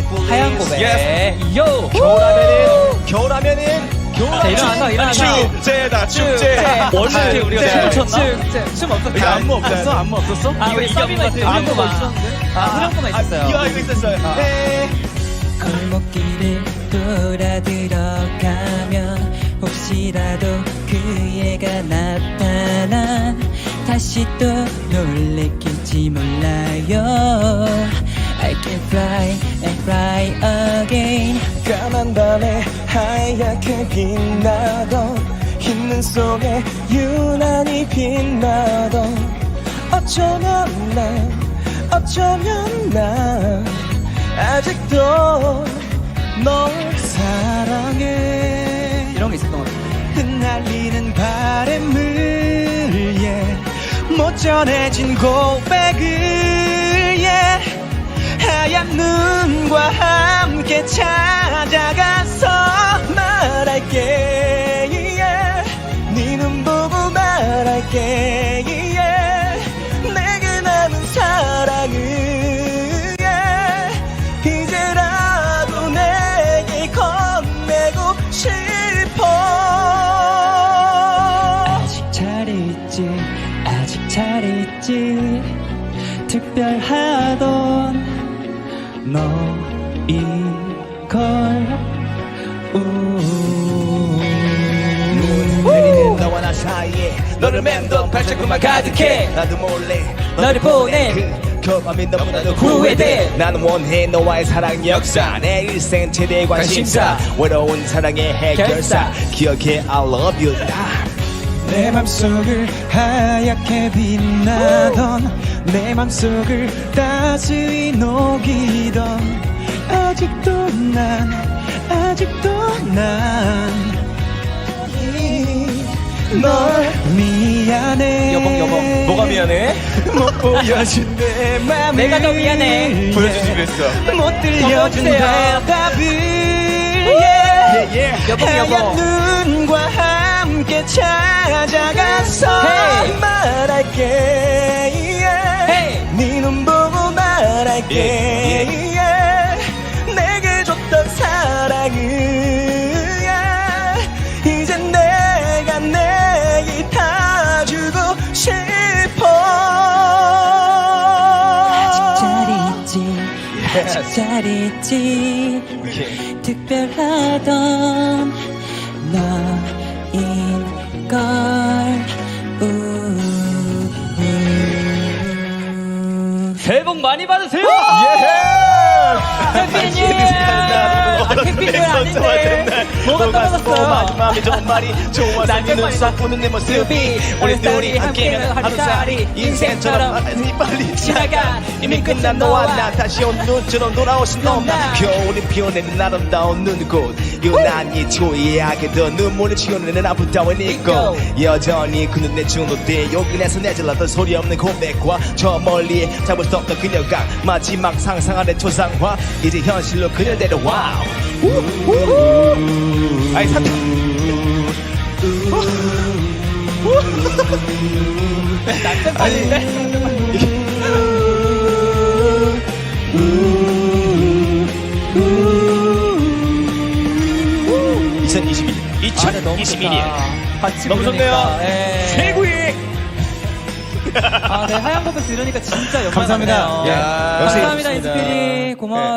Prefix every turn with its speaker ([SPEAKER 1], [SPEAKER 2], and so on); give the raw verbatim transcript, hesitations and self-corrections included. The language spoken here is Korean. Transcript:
[SPEAKER 1] 하얀 고백.
[SPEAKER 2] Yes.
[SPEAKER 1] 요.
[SPEAKER 2] 겨울하면은 겨울하면은
[SPEAKER 1] 자, 일어나서 일어나서.
[SPEAKER 2] 축제다 축제.
[SPEAKER 1] 원래
[SPEAKER 2] 우리가
[SPEAKER 1] 춤
[SPEAKER 2] 춤을
[SPEAKER 1] 췄나? 춤, 춤 없었어.
[SPEAKER 2] 안무 없었어? 안무 없었어?
[SPEAKER 1] 아, 우리 서비만 있었는데.
[SPEAKER 2] 안무가
[SPEAKER 1] 아, 후렴구만 있었어요.
[SPEAKER 2] 이거 알고 있었어요. 네.
[SPEAKER 3] 골목길을 돌아 들어가면 혹시라도 그애가 나타나 다시 또 놀래킬지 몰라요. I can fly and fly again.
[SPEAKER 4] 까만 밤에 하얗게 빛나던 흰 눈 속에 유난히 빛나던 어쩌면 난 어쩌면 난 아직도 널 사랑해.
[SPEAKER 1] 이런 게 있었던 것 같아요.
[SPEAKER 4] 흩날리는 바람을 yeah. 못 전해진 고백을 yeah. 하얀 눈과 함께 찾아가서 말할게 yeah. 네 눈 보고 말할게 yeah. 내게 남은 사랑을 yeah. 이제라도 내게 건네고 싶어. 아직 잘 있지 아직 잘 있지 특별하던 너이걸
[SPEAKER 2] 내리는 너와 나 사이에 너를 맴돈 발자국만 가득해. 나도 몰래
[SPEAKER 1] 너를 보내.
[SPEAKER 2] 그 겨울밤이 너무나도
[SPEAKER 1] 후회돼.
[SPEAKER 2] 나는 원해 너와의 사랑 역사 내 일생 최대 관심사 외로운 사랑의 해결사 기억해 I love you.
[SPEAKER 4] 내 맘속을 하얗게 빛나던 내 맘속을 따스히 녹이던 아직도 난 아직도 난 널 미안해.
[SPEAKER 1] 여봉, 여봉.
[SPEAKER 2] 뭐가 미안해?
[SPEAKER 4] 못 보여준 내 맘을
[SPEAKER 1] 내가 더 미안해.
[SPEAKER 2] 보여주지 그랬어.
[SPEAKER 4] 못 들려준
[SPEAKER 1] 여보세요.
[SPEAKER 4] 대답을
[SPEAKER 2] 예, 예.
[SPEAKER 1] 여봉,
[SPEAKER 4] 하얀
[SPEAKER 1] 여봉.
[SPEAKER 4] 눈과 함께 찾아가서
[SPEAKER 1] Hey.
[SPEAKER 4] 말할게 yeah.
[SPEAKER 1] Hey.
[SPEAKER 4] 네 눈 보고 말할게
[SPEAKER 2] 예,
[SPEAKER 4] yeah. 내게 줬던 사랑을 yeah. 이제 내가 내일 다 주고 싶어. 아직 잘 있지 아직 잘 있지 특별하던 너인걸.
[SPEAKER 1] 새해 복 많이 받으세요.
[SPEAKER 2] 예!
[SPEAKER 1] 택비님. 아, 택비님 아닌데. 뭐가 떨어졌어요?
[SPEAKER 2] 마지막에 정말이 좋아서
[SPEAKER 1] 난
[SPEAKER 2] 네 눈
[SPEAKER 1] 정말
[SPEAKER 2] 보는 내 모습이 우리 둘이 함께면 하루살이 인생처럼 빨리 빨리 지나가. 이미 끝난 너와 나 다시 온 눈처럼 돌아오신 너나 겨울이 피어내는 아름다운 눈꽃 유난히 초이하게 더 눈물을 지어내는 아름다운 이꽃 여전히 그 눈에 중독돼 요긴해서 내질렀던 소리 없는 고백과 저 멀리 잡을 수 없던 그녀가 마지막 상상 아래 초상화 이제 현실로 그녀 데려와. 아이 삼촌
[SPEAKER 1] 난좀 빠진데.
[SPEAKER 2] 이천이십일 이천이십일 년
[SPEAKER 1] 같이
[SPEAKER 2] 너무
[SPEAKER 1] 부르니까.
[SPEAKER 2] 좋네요.
[SPEAKER 1] 예.
[SPEAKER 2] 최고의
[SPEAKER 1] 아, 네, 하얀 고백 들으니까 진짜 영광
[SPEAKER 4] 감사합니다.
[SPEAKER 1] 같네요.
[SPEAKER 4] 야,
[SPEAKER 2] 역시
[SPEAKER 1] 감사합니다,
[SPEAKER 4] 좋습니다.
[SPEAKER 1] 인스피리. 고마워요.